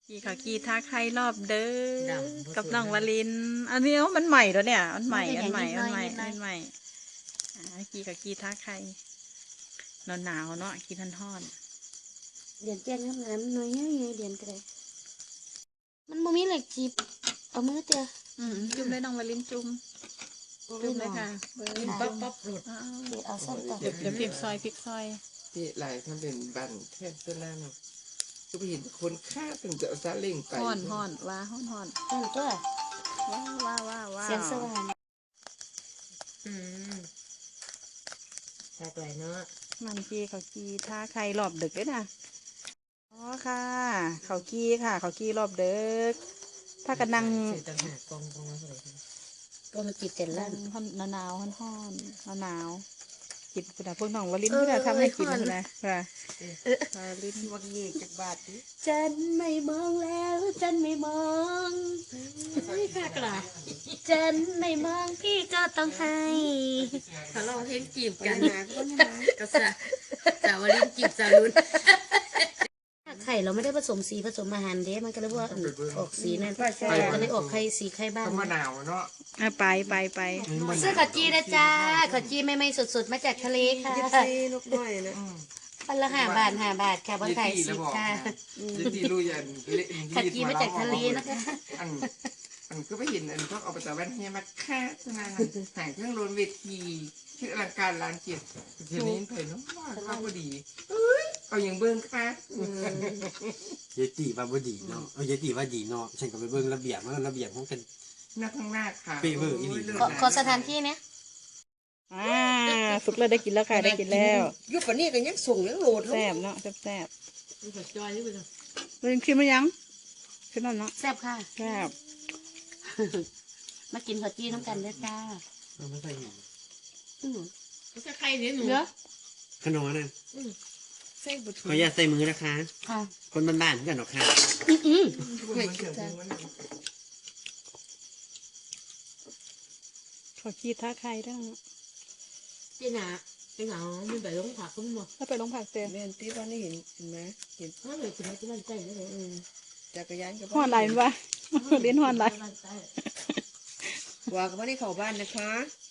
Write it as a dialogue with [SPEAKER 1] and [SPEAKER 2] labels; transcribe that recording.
[SPEAKER 1] กี่เขากี่ท่าใครรอบเด้อกับน้องวลินอันนี้มันใหม่แล้วเนี่ยอันใหม่กี่เขากี่ท่าใครหนาวเนาะกี่ทันทอด
[SPEAKER 2] เดียนแจ้งน้ำน้ำน้อยเงี้ยเดียนก็ได้มันบ่มีเหล็กจีบเอามือเตีย
[SPEAKER 1] จุ่มเลยน้องวลินจุ่มเลยค่ะ
[SPEAKER 3] ปั๊บหลุด
[SPEAKER 2] เอาส้นต่อ
[SPEAKER 1] เดี๋ยวพริกซอย
[SPEAKER 3] ที่หลายท่านเป็นบันแทบจะแล้วก็ไปเห็นคนฆ่าถึงจะเอาซาเล้งไป
[SPEAKER 1] ห่อนว่าห่อน
[SPEAKER 2] ตัว
[SPEAKER 1] ว้า
[SPEAKER 2] เสียงสว่าง
[SPEAKER 3] ตาไกลเนาะ
[SPEAKER 1] มันกี่เขากี่ท่าใครรอบดึกด้วยนะอ๋อค่ะเขากี่รอบดึกถ้ากันนั่ง
[SPEAKER 3] ต่างหากกอง
[SPEAKER 2] ก็มาจีบเสร็จแล้ว
[SPEAKER 1] หนาวกินคุณพวกน้องวลินที่เราทำให้กินนะค่ะวลิน
[SPEAKER 3] วักเยกจากบาทดิ
[SPEAKER 2] ฉันไม่มองแล้วฉันไม่มอง
[SPEAKER 3] ไม่ค่ะกล่ะ
[SPEAKER 2] ฉันไม่มองพี่ก็ต้องให้
[SPEAKER 3] เขาลองเพลงจีบกันนะก็สาวลินจีบสาวรุ่น
[SPEAKER 2] ไข่เราไม่ได้ผสมสีผสมอาหารเด้มันก็เลยว่าออกสีนั่นก็เลยออกไข่สีไข่บ้าง
[SPEAKER 3] มะนาวเนาะ
[SPEAKER 1] ไป
[SPEAKER 2] เสื้อขจีนะจ้าขจีไม่สดๆมาจากทะเลค่ะ
[SPEAKER 3] นกน้อยนะ
[SPEAKER 2] พันละ5 บาทค่ะบนไข่10ค่ะ
[SPEAKER 3] ที่รู้ยัน
[SPEAKER 2] ขจีมาจากทะเลนะคะ
[SPEAKER 3] อันก็ไปเห็นอันพวกเอาไปแต่แว่นเฮียมาแค่ขนาดห่างเครื่องโรนเวทีชื่ออลังการร้านเกียรติทีนี้เผยน้องว่าเข้าพอดีเอาอย่างเบิ้งครับ
[SPEAKER 4] ยายตีว่าบ่ดีเนาะยายตีว่าดีเนาะฉันก็ไปเบิ่งระเบียบมันระเบียบของกัน
[SPEAKER 3] หน้าข้างหน้าค่ะ
[SPEAKER 4] เปเวอร์อีหลี
[SPEAKER 2] ขอสถานที่เนี้ย
[SPEAKER 1] สุกแล้วได้กินแล้วค่ะได้กินแล้ว
[SPEAKER 3] ยุคนี้ก็ยังส่งยังโหลด
[SPEAKER 1] แซ่บเนาะแซ่บ
[SPEAKER 3] จอยนี่ไปเลย
[SPEAKER 1] มันชิมมั้ยยังชิมแล้วเนาะ
[SPEAKER 2] แซ่บค่ะ
[SPEAKER 1] แซ่บ
[SPEAKER 2] มากินขจีน้ำกันเลยจ้า
[SPEAKER 4] ไม่ใส่หมู
[SPEAKER 3] ไม่ใช่ใครเนี่ยหนู
[SPEAKER 4] ขนมนั่นขออย่าใส่มือนะคะคนบ้านๆกันหรอกค่ะ
[SPEAKER 1] ขอขี้ท่าใครได้
[SPEAKER 3] เจ้าหนาไม่ไปลงผักก็ไม่หมด
[SPEAKER 1] ถ้าไปลงผักเต็ม
[SPEAKER 3] เรียนที่บ้านนี่เห็นไหมเห็นเลยคุณแม่ที่บ้านใกล้เลยจักรยานกับ
[SPEAKER 1] ห่อนไหลมั้ยเลี้ยนห่อนไหล
[SPEAKER 3] ว่ากับว่าได้เข้าบ้านนะคะ